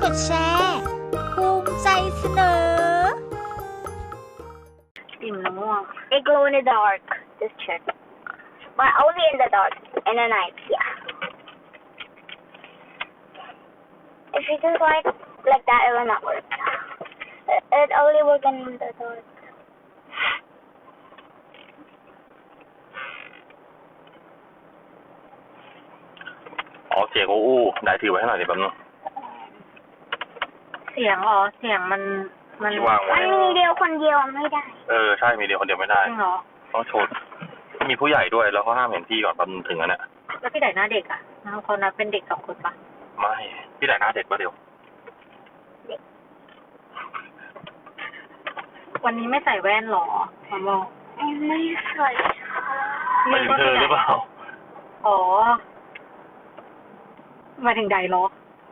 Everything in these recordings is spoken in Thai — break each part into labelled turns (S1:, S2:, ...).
S1: ดแชร์ภูมิใจเสนอ
S2: อิ่มแล้วง่วง It glow in the dark. Just check. But only in the dark. In the night, yeah. If you just like that, it will not work. It only works in the dark.
S3: อ๋อเสียงอู้ได้ถือไว้ให้หน่อยดิแป๊บนึง
S2: เสียงเสียงมัน
S3: วางไว้
S2: มันมีเดียวคนเดียวไม่ได้
S3: ใช่มีเดียวคนเดียวไม่ได้
S2: จริงเหรอ
S3: ต้องโชว์มีผู้ใหญ่ด้วยแล้วเขาห้ามเห็นพี่ก่อนแป๊บนึงถึงอันเนี้ย
S2: แล้วพี่ไหนหน้าเด็กอ่ะเขานับเป็นเด็ก2 คนปะ
S3: ไม่พี่ไหนหน้าเด็กปะเดี๋ยว
S2: วันนี้ไม่ใส่แว่นหรอมาโมไม่ใส่
S3: ไม่ถึงเธอหรือเปล่า
S2: อ๋อมาถึงใดหรอ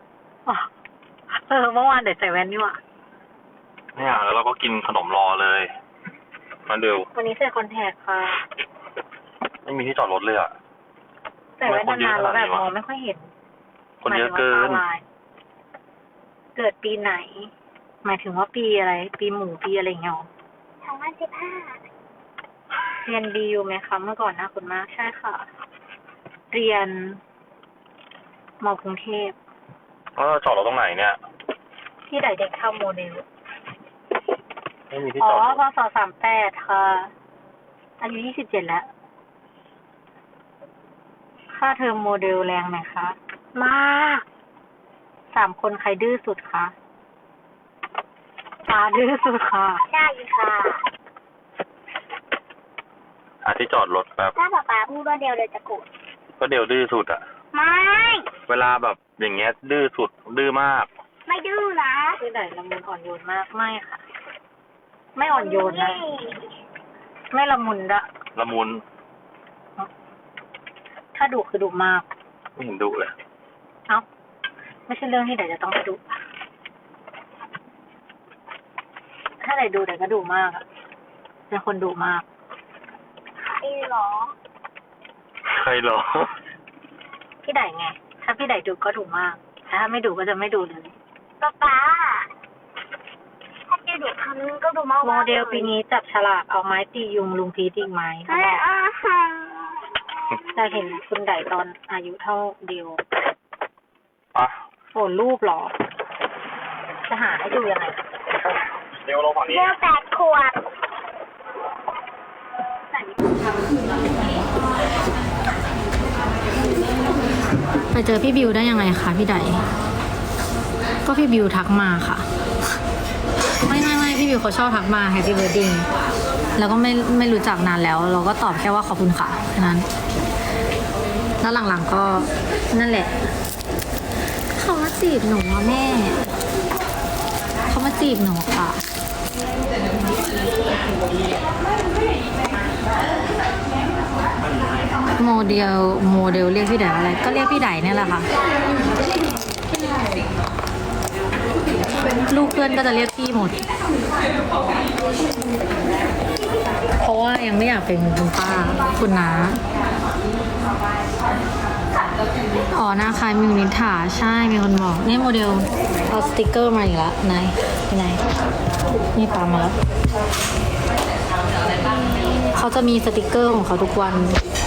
S2: เมื่อวานเด็กใส่แว่นนี่หว่า
S3: เนี่ยแล้วเราก็กินขนมรอเลยมาเร็ว
S2: วันนี้ใส่คอนแทคค่ะ
S3: ไม่มีที่จอดรถเลยอ่ะ
S2: ใส่แว่นนานๆแล้วแบบมองไม่ค่อยเห็น
S3: คนเยอะเกิน
S2: เกิดปีไหนหมายถึงว่าปีอะไรปีหมูปีอะไรเงี้ย2015เรียนดีอยู่ไหมคะเมื่อก่อนนะคุณมากใช่ค่ะเรียนม.กรุงเทพ
S3: จอดรถตรงไหนเนี่ย
S2: ที่ไหนเด็กเข้าโมเดล
S3: ไม่มีที่จอด
S2: พศ38ค่ะอายุ27แล้วค่าเทอมโมเดลแรงไหมคะมาก3 คนใครดื้อสุดคะป้าดื้อสุดค่ะใช่ค่ะ
S3: หาที่จอดรถแป๊บ
S2: ถ้าป๊าพูดว่าเดียวเลยจะโกรธ
S3: ก็เดียวดื้อสุดอ่ะ
S2: ไม่
S3: เวลาแบบอย่างเงี้ยดื้อสุดดื้อมาก
S2: ไม่ดื้อนะคือไหนละมุนอ่อนโยนมากไม่ค่ะไม่อ่อนโยนนะไม่ละมุน
S3: ละมุน
S2: ถ้าดุคือดุมาก
S3: ไม่เห็นดุเลย
S2: เอ้าไม่ใช่เรื่องที่ไหนจะต้องไปดุถ้าไหนดูไหนก็ดุมากอ่ะเป็นคนดุมากใครหรอพี่ไหนไงถ้าพี่ไหนดุก็ดุมากถ้าไม่ดุก็จะไม่ดุเลยป๊าถ้าจะดุคำนึงก็ดุมากโมเดลปีนี้จับฉลากเอาไม้ตียุงลุงพีตีไม้เขาบอกจะเห็นคุณไหนตอนอายุเท่าเดียวโอ้รูปหรอจะหาให้ดูยังไง
S3: เดี๋ยวลงฝั่งนี้
S2: เดี๋ยว8 ขวบ
S4: ไปเจอพี่บิวได้ยังไงคะพี่ไดก็พี่บิวทักมาค่ะไม่พี่บิวเขาชอบทักมา Happy Birthday แล้วก็ไม่รู้จักนานแล้วเราก็ตอบแค่ว่าขอบคุณค่ะแค่นั้นแล้วหลังๆก็นั่นแหละเขามาจีบหนูแม่เขามาจีบหนูค่ะโมเดลเรียกพี่ไดอะไรก็เรียกพี่ไดเนี่ยแหละค่ะลูกเพื่อนก็จะเรียกพี่หมดเพราะว่ายังไม่อยากเป็นคุณป้าคุณน้าหน้าคล้ายมิวนิถาใช่มีคนบอกนี่โมเดลเอาสติกเกอร์มาอีกแล้วไหนนี่ปามาแล้วเขาจะมีสติกเกอร์ของเขาทุกวัน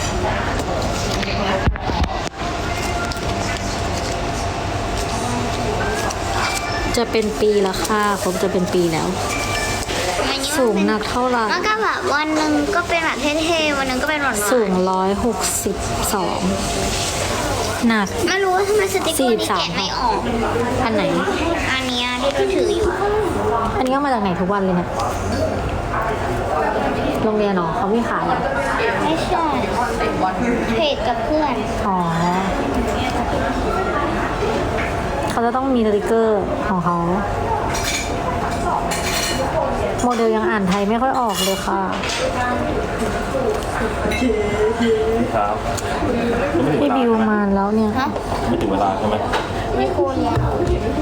S4: จะเป็นปีแล้วค่ะผมจะเป็นปีแล้วสูงหนักเท่าไหร่
S2: มันก็แบบวันหนึ่งก็เป็นแบบเท่ๆวันหนึ่งก็เป็นหวาน
S4: สูง162หนัก
S2: ไม่รู้ว่าทำไมสติ๊กเกอร์นี้แกะไม่ออก
S4: อันไหน
S2: อันนี้ที่เราถืออยู่
S4: อันนี้ก็มาจากไหนทุกวันเลยเนี่ยโรงเรียนเหรอเขาไม่ขายเหรอ
S2: ไม่ใช่เพจกับเพื่อน
S4: เขาจะต้องมีสติกเกอร์ของเขาโมเดลยังอ่านไทยไม่ค่อยออกเลยค่ะพี่บิวมาแล้วเนี่ย
S3: ไม่ถึงเวลาใช่ไหม
S2: ไม่ควรแล้ว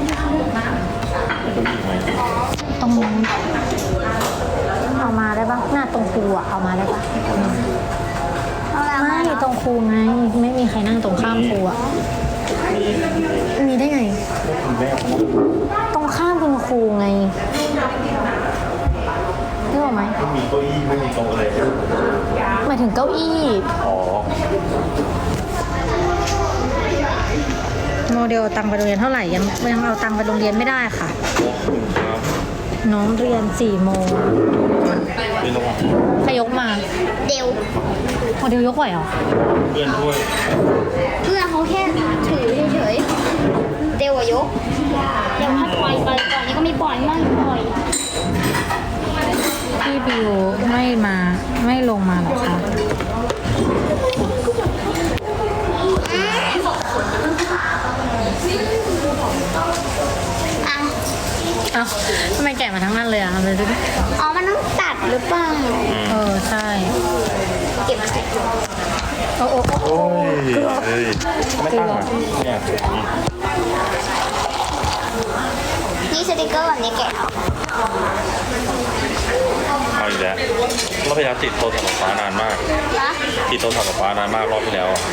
S4: ตรงนี้เอามาได้ปะหน้าตรงครูอ่ะเอามาได้ปะไม่ตรงครูไงไม่มีใครนั่งตรงข้ามครูอ่ะมีได้ไง ตรงข้ามคุณครูไงนึกออกไหม
S3: ไม่มีเก้าอี้ไม่มีโต๊ะเลย
S4: หมายถึงเก้าอี้
S3: อ๋อ
S4: โมเดลเอาตังค์ไปโรงเรียนเท่าไหร่ยังเอาตังค์ไปโรงเรียนไม่ได้ค่ะ
S3: ครับ
S4: น้องเรียน4 โมง
S3: ไม่ต้อง
S4: ใครยกมา
S1: เดี๋ยว
S4: โมเดลยกไหวเหรอ
S3: เพื่อนช่วย
S1: เพื่อนเขาแค่ถือเฉยๆเดี๋ยวอะยกเดี๋ยวถ้าปล่อยไปก่อนนี้ก็ไม่ปล่อยไม่ปล่อย
S4: พี่บิวไม่ลงมาเหรอคะ
S1: อ่ะ
S4: เอ้าทำไมแกะมาทั้งนั้นเลยอ่ะเลยดูดิ
S1: อ๋อมันต้องตัดหรือเปล่า
S4: ใช่
S1: เก็บมา
S4: โอ้โอ้โอ้
S3: โอ้ยเฮ้ยไม่ตั้งอ่ะเนี่ย
S1: นี่สติกเกอร์แบบนี้แกะออก
S3: เอาอีกแล้วรอบที่แล้วติดโทรศัพท์กับฟ้านานมาก
S1: นะ
S3: ติดโทรศัพท์กับฟ้านานมากรอบที่แล้วอะ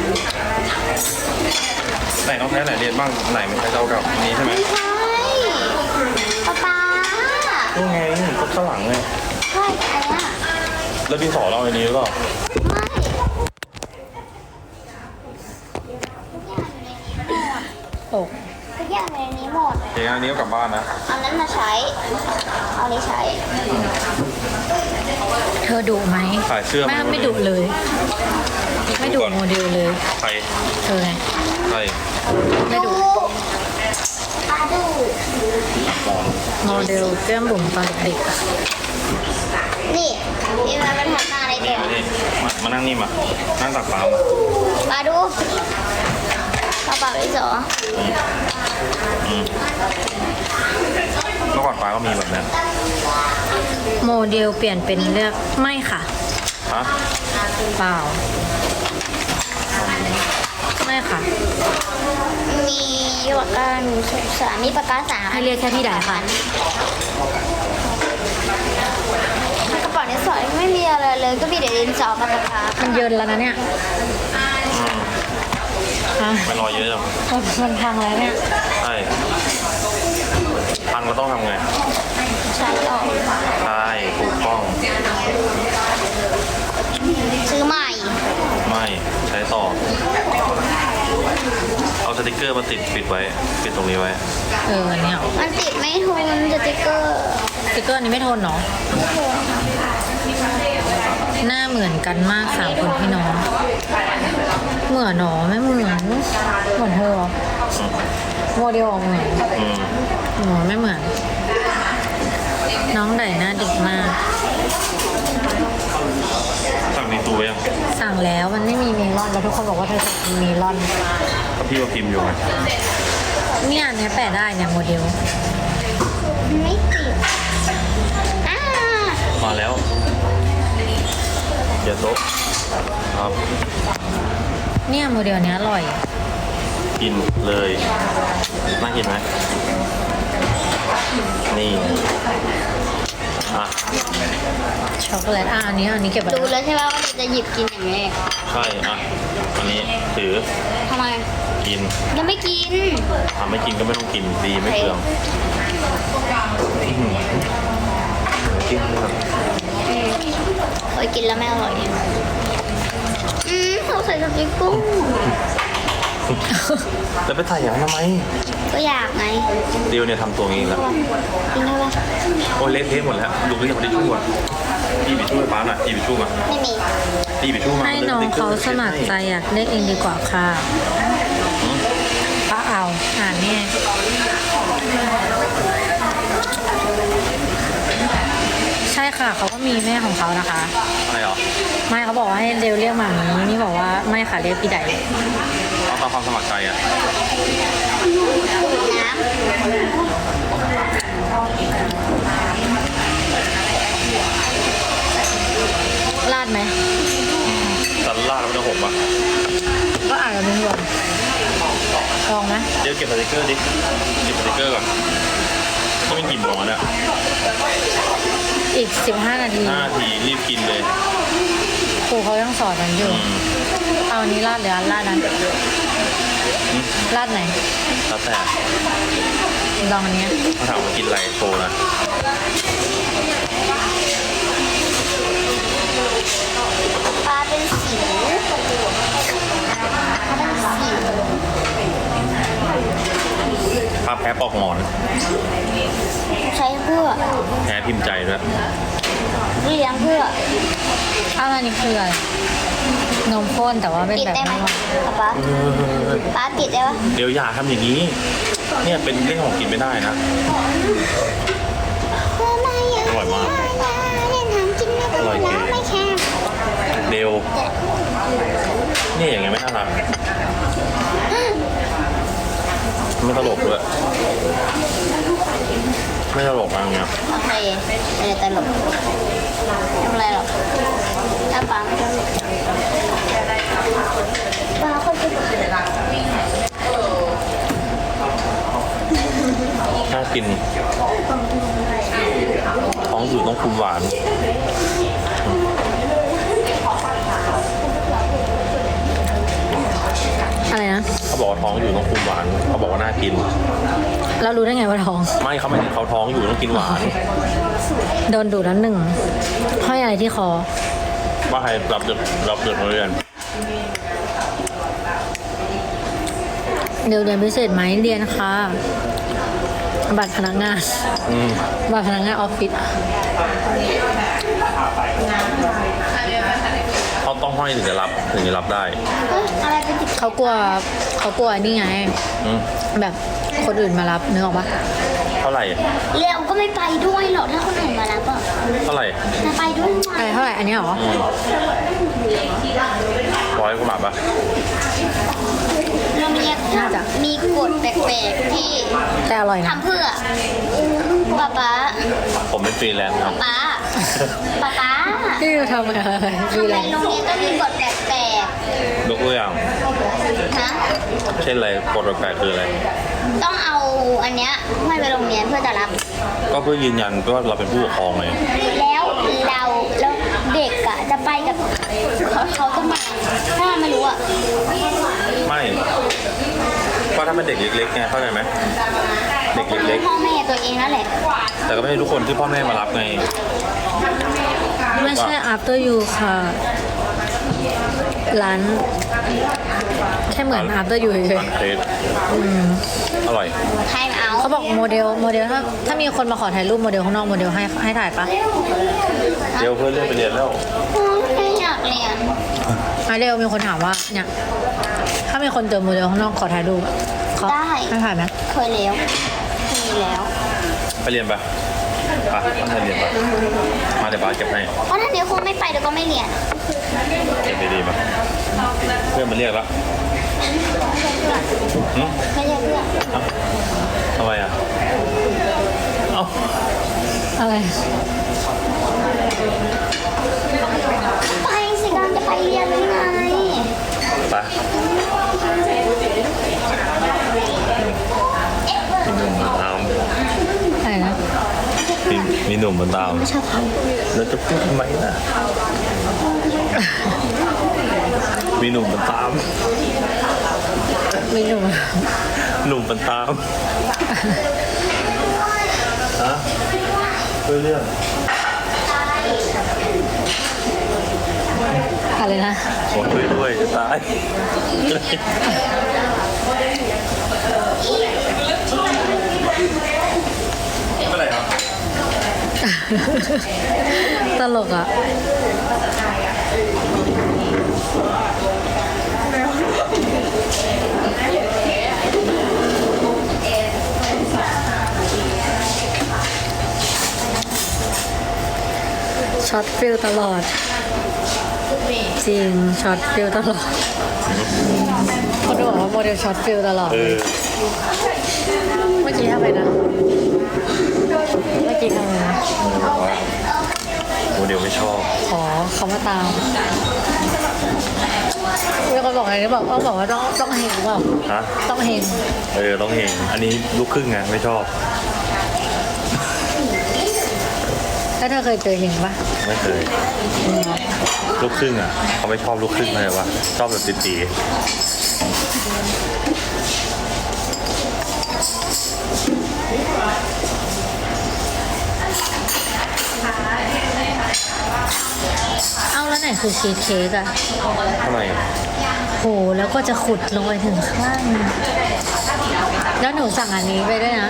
S3: ไหนน้องแท้ไหนเรียนบ้างไหนมันใช้เจ้ากับนี้ใช่ไหม
S1: ไม่ใช่ป๊า
S3: นี่ไงก็ข้างหลังไง
S1: ใช่อันเนี้ย
S3: แล้วดินสอเราอันนี้หรือเปล่า
S1: ไม่
S4: ตก
S1: ทุกอย่างในนี้หมด
S3: เดี๋ยวอันนี้ก็กลับบ้านนะ
S1: เอานั้นมาใช้ เอานี้ใช้
S4: เธอดุไหม
S3: ขายเสื้อ
S4: ไม่ดุเลย ไม่ดุโมเดลเลย
S3: ใคร
S4: เธอไง
S3: ใคร
S4: ไม่ดุ
S1: ปลาดู
S4: โมเดลแก้มบุ๋มตอนเด็กๆอะ
S1: นี่นี่มันเป็นทำหน้าอะไร
S3: นี่
S1: เด็ก
S3: มานี่มานั่งนี่มา นั่งตักปลามา
S1: ปลาดูปลาปลาไปสอ
S3: เมื่อก่อนปลาก็มีแบบนั้น
S4: โมเดลเปลี่ยนเป็นเลือกไม่ค่ะ
S3: ฮะ
S4: เปล่า ไม่ค่ะ
S1: มีปากกา103มีปากกา3
S4: ให้เรียกแค่พี่ใดค่ะ
S1: กระเป๋าดินสอไม่มีอะไรเลยก็มีแต่ดินสอกับปากกา
S4: มันเยินแล้วนะเนี่ยอ่ะ
S3: ไม่รอเยอะจัง
S4: มันพังแล้วเนี่ย
S3: ใช่พังเราต้องทำไง
S1: ใช้ต่อ
S3: ใช่ถูกต้อง
S1: ซื้อใหม่
S3: ไม่ใช้ต่อ เอาสติกเกอร์มาติดปิดไว้ ปิดตรงนี้ไว้
S4: อันเนี้ย
S1: มันติดไม่ทนสติกเกอร์
S4: สติกเกอร์อันนี้ไม่ทนเนาะหน้าเหมือนกันมาก3 คนพี่น้อง เหมือนหนอไม่เหมือนเธอเหรอโมเดลออกเหมือน
S3: อืม
S4: หนูไม่เหมือน น้องไดหน้าเด็กมาก
S3: สั่งมีตัวยัง
S4: สั่งแล้วมันไม่มีเมลอนแล้วทุกคนบอกว่าเธอจะมีเมลอน
S3: ก็พี่ว่าพิมพ์อยู่ไง
S4: เนี่ยอันเนี้ยแปะได้เนี่ยโมเดล
S1: ไม่ติดอ่า
S3: มาแล้วเดี๋ยวโต๊ะครับ
S4: เนี่ยโมเดลเนี้ยอร่อย
S3: กินเลยน่ากินไหมนี่อ่ะ
S4: ช็อกโกแลตอันนี้เก็บไว้
S1: รู้แล้วใช่ไหมว่าจะหยิบกินอย่างนี้
S3: ใช่อ่ะอันนี้ถือ
S1: ทำไม
S3: กิน
S1: ยังไม่กิน
S3: ทำไม่กินก็ไม่ต้องกินดีไม่เปลืองกินแบบ
S1: เคยกินแล้วไม่อร่อยเขาใส่สติ๊กกุ้ง
S3: แล้วไปถ่ายอย่างนั้นทำไม
S1: ก็อยากไง
S3: เดียวเนี่ยทำตัวงี้แล้ว
S1: กินได้ปะ
S3: โอ้ยเละเทะหมดแล้วดูนี่กับทิชชู่อ่ะพี่ไปช่วยป้าหน่อยพี่ไปช่วยมา
S1: ไม่มี
S3: พี่ไปช่วยมา
S4: ให้น้องเขาสมัครใจอยากเล่นเองดีกว่าค่ะป้าเอาอ่านเนี่ยใช่ค่ะเขาก็มีแม่ของเขานะคะ
S3: อะไรเหรอ
S4: ไม่เขาบอกว่าให้เร็วเรียกหมามีนี่บอกว่าไม่ค่ะเรียกพี่ใด
S3: เอาตามความสมัครใจอ่ะ
S1: น้ำ
S4: ลาดไหม
S3: สันล่าดแล้วมันจะหกอ่ะ
S4: ก็อาจจะเป็นรวมลองไหม
S3: เดี๋ยวเก็บสติกเกอร์ดิเก็บสติกเกอร์ก่อนนี่มันกี่โมงแล้วเนี่ย
S4: อีก15 นาที
S3: 5 นาทีรีบกินเลย
S4: ครูเขายังสอนกันอยู่ เอาอันนี้ลาดหรืออันลาดนั้นราดไหน
S3: แล้วแต่
S4: ลองอันเนี้ย
S3: เขาถามว่ากินอะไรโชว์นะ
S1: ปลาเป็นสิวปลาเป็นสิว
S3: ภาพแพ้ปอกหมอน
S1: ใช้เพื่อ
S3: แพ้พิมพ์ใจด้วย
S1: เลี้ยงเพื่อ
S4: อ้าวอันนี้คืออะไรนมข้นแต่ว่าเป็น
S1: ปิด
S4: แบบ
S1: ได้ไหม
S4: ไม่หวาน
S1: ป๊าป๊าปิดได้ปะ
S3: เดี๋ยวอย่าทำอย่างนี้ เนี่ยเป็นเรื่องของกินไม่ได้นะ อร่อยมาก
S1: เล่นทำกินไม่ได้
S3: อร่อยเก๋
S1: แล้วไม่แค่
S3: เดวเนี่ยอย่างเงี้ยไม่น่ารักไม่ตลกด้วยไม่ตลกอะไรเงี้ย
S1: โอเคไม่ได้ตลกไม่เป็นไรหรอกถ้าป๊าไม่ตลกป๊าคนจะ
S3: น่ากินท้องอยู่ต้องคุมหวาน
S4: อะไรนะ
S3: เขาบอกว่าท้องอยู่ต้องคุมหวานเขาบอกว่าน่ากิน
S4: เรารู้ได้ไงว่าท้อง
S3: ไม่เขาไม่ถึงเขาท้องอยู่ต้องกินหวาน
S4: โดนดูดแล้วหนึ่งห้อยอะไรที่คอ
S3: ว่าใครรับเด็กมาเรียน
S4: เดี๋ยวเรียนพิเศษไหมเรียนค่ะ บัตรพนักงาน
S3: อืม
S4: บัตรพนักงานออฟฟิศ
S3: เขาต้องห้อยถึงจะรับได้
S1: เฮ้ยอะไรเป็นติด
S4: เขากลัวนี่ไง
S3: อืม
S4: แบบคนอื่นมารับนึกออกปะ
S3: เท่าไหร่
S1: เร็วก็ไม่ไปด้วยหรอกถ้าคนอื่นมารับอ่ะ
S3: เท่าไหร่
S1: จะไปด้วยไหม
S4: อะไรเท่าไหร่อันนี้เหรอ
S3: อืม100 กว่าบาทปะ
S1: เรามี
S4: น่าจะ
S1: มีกฎแปลกๆที่
S4: แต่อร่อยนะ
S1: ทำเพื่อป๊า
S3: ผมเป็นฟรีแลนซ์ครับ
S1: ป๊าป๊า
S4: ที่เราทำอะไร
S1: ทำ
S4: ดี
S1: ไม
S4: เลย
S1: โรงเรียนต้องมีกฎแปลก
S3: ยกตัวอย่าง
S1: ๆฮะ
S3: เช่นอะไรกฎแปลกๆคืออะไร
S1: ต้องเอาอันเนี้ยให้ไปโรงเรียนเพื่อจะรับ
S3: ก็เพื่อยืนยันว่าเราเป็นผู้ปกครองไง
S1: แล้วเด็กอะจะไปกับเขาจะมาถ้าไม่รู้อะ
S3: ไม่ก็ถ้าเป็นเด็กเล็กๆไงเข้าใจไหมเด็ก
S1: ก็
S3: เล็
S1: รู้
S3: ก
S1: พ่อแม่ตัวเองนั่นแหละ
S3: ๆแต่ก็ไม่ใช่ทุกคนที่พ่อแม่มารับไง
S4: ไม่ใช่ after you ค่ะ ร้านแค่เหมือน after you เฉย
S3: ร้านเค้กอร่อย
S1: ใครมาเอา
S4: ๆเขาบอกโมเดลถ้ามีคนมาขอถ่ายรูปโมเดลข้างนอกโมเดลให้ถ่ายปะ
S3: เดี๋ยวเพื่อนเลื่อนไปเรียนแล้ว
S1: ไม่อยากเรียน
S4: เดี๋ยวมีคนถามว่าเนี่ยถ้ามีคนเจอโมเดลข้างนอกขอถ่ายรูปเขาให้ถ่ายไหม
S1: เคยแล้วมีแล้ว
S3: ไปเรียนปะตั้งใจเรียนปะมาเดี๋ยวบ้าสเก็บให้
S1: เพราะถ้าเดี๋ยวคงไม่ไปเดี๋ยวก็ไม่เรียน
S3: เก็บดีๆปะเพื่อนมันเรียกแล้วหึ
S1: ไม่ใช่เพื่อน
S3: ทำไมอ่ะ เอ้า
S4: อะไร
S1: ไปสิการจะไปเรียนหรือไง
S3: ไป มีหนุ่มมาตาม
S4: อะไรนะ
S3: มีหนุ่มมาตาม
S1: ชอบเขา
S3: แล้วจะพูดทำไมล่ะ มีหนุ่มมาตาม
S4: ไม่รู้
S3: หนุ่มมันตาม ฮะเพื่อเรื่อง
S4: อะไรนะ
S3: ขอช่วยด้วยจะตาย ไม่เป็นไรครับ
S4: ตลกอ่ะ ช็อตฟิลตลอด จริง ช็อตฟิลตลอดคนบอกว่าโมเดลช็อตฟิลตลอด เมื่อกี้ทำไมนะ เมื่อกี้ทำไมนะ
S3: โมเดลไม่ชอบ
S4: ขอเขามาตามมีคนบอกอะไรนี่บอกว่าต้องเฮงเปล่า
S3: ฮะ
S4: ต้องเฮง
S3: ต้องเห็น อันนี้ลูกครึ่งไงไม่ชอบ
S4: แล้วเธอเคยเจอเฮงปะ
S3: ไม่เคย ลูกครึ่งอ่ะเขาไม่ชอบลูกครึ่งเลยว่าชอบแบบตีๆ
S4: เอาแล้วไหนคือชีสเค้กอะ
S3: ทำไม
S4: โหแล้วก็จะขุดลงไปถึงข้างล่างแล้วหนูสั่งอันนี้ไปด้วยนะ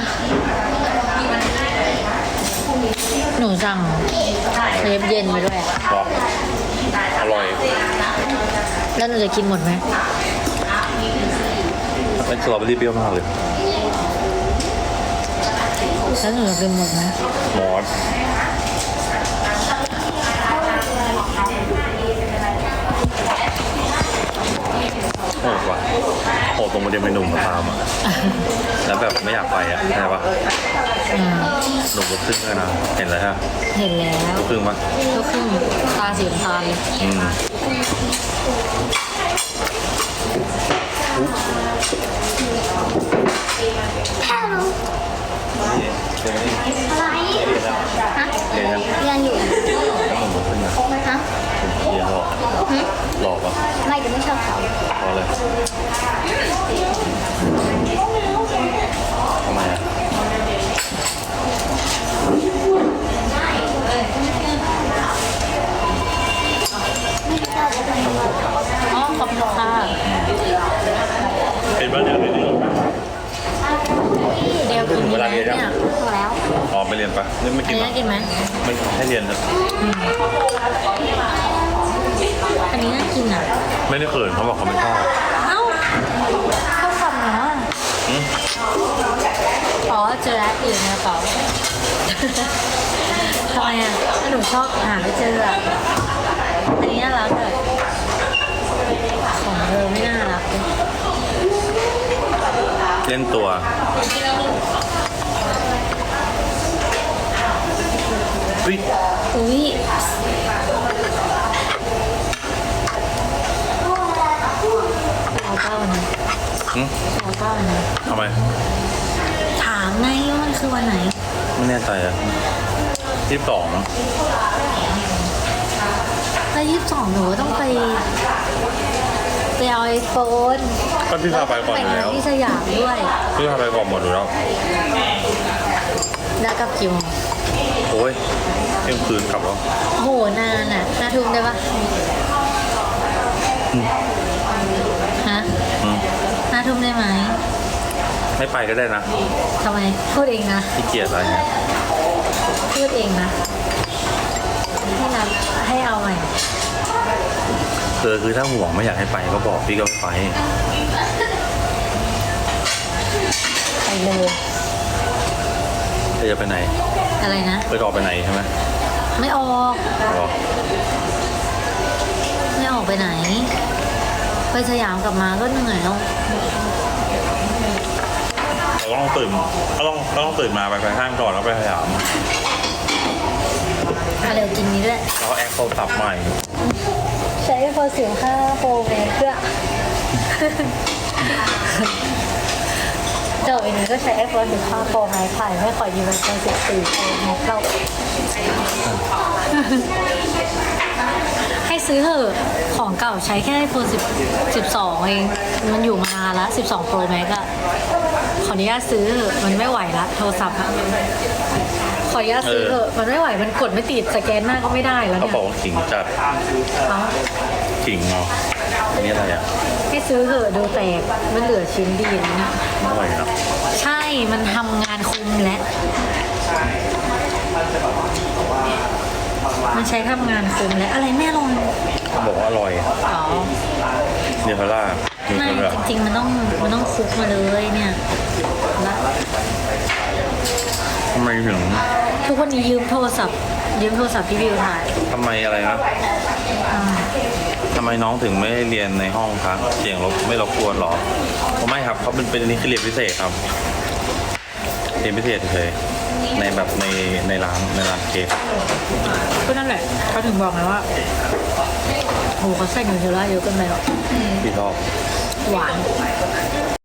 S4: หนูสั่งเครปเย็นไปด้วยอะ
S3: บอกอร่อย
S4: แล้วหนูจะกินหมดไหม
S3: เป็นสตรอเบอรี่เปรี้ยวมากเลย
S4: แล้วหนูจะกินหมดไหม
S3: หมอนโหดว่ะโหดตรงประเด็นเมนูมาตามอ่ะ แล้วแบบไม่อยากไปอ่ะใช่ปะ
S4: อืม
S3: หนุ่มลูกครึ่งเลยนะ เห็นแล้วฮะ
S4: เห็นแล้ว
S3: ลูกครึ่งปะ
S4: ลูกครึ่งตาสีน้ำตาลเลย
S3: อืม
S1: ฮัลโหล
S3: นี่เจอนี่
S1: อะไร ฮะ
S3: เรียนยัง
S1: เรียนอยู่
S3: แล้วหนุ่มลูกครึ่งอ่ะ
S1: ฮะ
S3: เรียนหลอก
S1: หึ
S3: หลอกปะ
S1: ไม่แต่ไม่ชอบเขา
S3: พอเลยทำไมอ่ะ
S4: อ๋อขอบคุณค่ะ
S3: เป็นบ้านเดียวเลย
S4: เดียวกิน
S3: เว
S4: ดีไหม
S3: ลาเรียนยัง
S4: เนี่ย
S1: พอแล้ว
S3: อ๋อไปเรียนปะนี่ไม่
S4: อั
S3: กิ
S4: น
S3: น
S4: นี้
S3: ปะ
S4: กินไหม
S3: ไม่ให้เรียนนะ
S4: อันนี้น่ากินอ่ะ
S3: ไม่ได้เขินเขาบอกเขาไม่ชอบ
S4: เอ้าเข้าคำเนาะ
S3: อืม
S4: อ๋อเจอแล้วอยู่ในกระเป๋า ทำไมอ่ะถ้าหนูชอบหาไม่เจออ่ะ อันนี้น่ารักเลยของเธอไม่น่ารักเลย
S3: เล่นตัว อุ้ย
S4: อุ้ยเอาเก้าวันนะ
S3: อืม
S4: เอาเก้าวันนะ
S3: ทำไม
S4: ถามไงว่ามันคือวันไหน
S3: ไม่แน่ใจอ่ะ22
S4: แล้ว22หนูก็ต้องไปเอาไอโฟน
S3: ก็พี่พาไปก่อนอยู่
S4: ไป
S3: แล้ว
S4: ที่สยามด้วย
S3: พี่พาไปก่อนหมดอยู่แล้ว
S4: แล้วกลับกี่โมง
S3: โอ้ยเที่ยงคืนกลับแล้ว
S4: โอ้โหนานอ่ะ5 ทุ่มได้ปะ
S3: อืม
S4: ฮะ
S3: อืม
S4: 5 ทุ่มได้ไหม
S3: ไม่ไปก็ได้นะ
S4: ทำไมพูดเองนะ
S3: ขี้เกียจอะไรเนี่ย
S4: พูดเองนะให้นัดให้เอาใหม่
S3: คือถ้าห่วงไม่อยากให้ไปก็บอกพี่ก็ไม่ไป
S4: ไปเลย
S3: เธอจะไปไหน
S4: อะไรนะ
S3: ไปออกไปไหนใช่ไหม
S4: ไม่ออก
S3: บอก
S4: ไม่ออกไปไหน ไปสยามกลับมาก็เหนื่อยแล้ว
S3: เราต้องตื่นเราต้องตื่นมาไปห้างก่อนแล้วไปสยาม
S4: เร็วกินนี้ด้วย
S3: แล้วแอคโทรศัพท์ใหม่
S4: ใช้iPhone 15 Pro Max เพื่อเดี๋ยวอันนี้ก็ใช้iPhone 15 Pro Max ถ่ายไม่ขอยืมiPhone 14 Pro Max เราให้ซื้อเถอะของเก่าใช้แค่ iPhone 12 เอง มันอยู่มานานแล้ว 12 Pro Max อะขออนุญาตซื้อเถอะมันไม่ไหวละโทรศัพท์อะขออนุญาตซื้อเถอะมันไม่ไหวมันกดไม่ติดสแกนหน้าก็ไม่ได้แล้ว
S3: เขา
S4: เนี่ย
S3: บอกว่าขิงจัด
S4: เอา
S3: ขิงเนาะอันนี้อะไรอ่ะ
S4: ให้ซื้อเถอะดูแตกมันเหลือชิ้นดีนะ
S3: อร่อยนะ
S4: ใช่ มันทำงานคุมและ มันใช้ทำงานคุมและอะไรแม่ลอง
S3: เขาบอกว่าอร่อย
S4: อ๋อ
S3: เนเธอร์ล่าเน
S4: ไม่
S3: เธอร์ล่า
S4: จริงๆมันต้องคลุกมาเลยเนี่ยละ
S3: ทำไมถึง
S4: ทุกวันนี้ยืมโทรศัพท์พี่บิวถ่าย
S3: ทำไมอะไรนะ
S4: อ่า
S3: ทำไมน้องถึงไม่ให้เรียนในห้องคะเสียงไม่รบกวนหรอไม่ครับเขาเป็นอันนี้คือเรียนพิเศษครับเรียนพิเศษเฉยๆในแบบในร้านเค้ก
S4: ก็นั่นแหละเขาถึงบอกไงว่าโหเขาใส่นิวเทลล่าเยอะเกินไปหรอก
S3: ที่ชอบ
S4: หวาน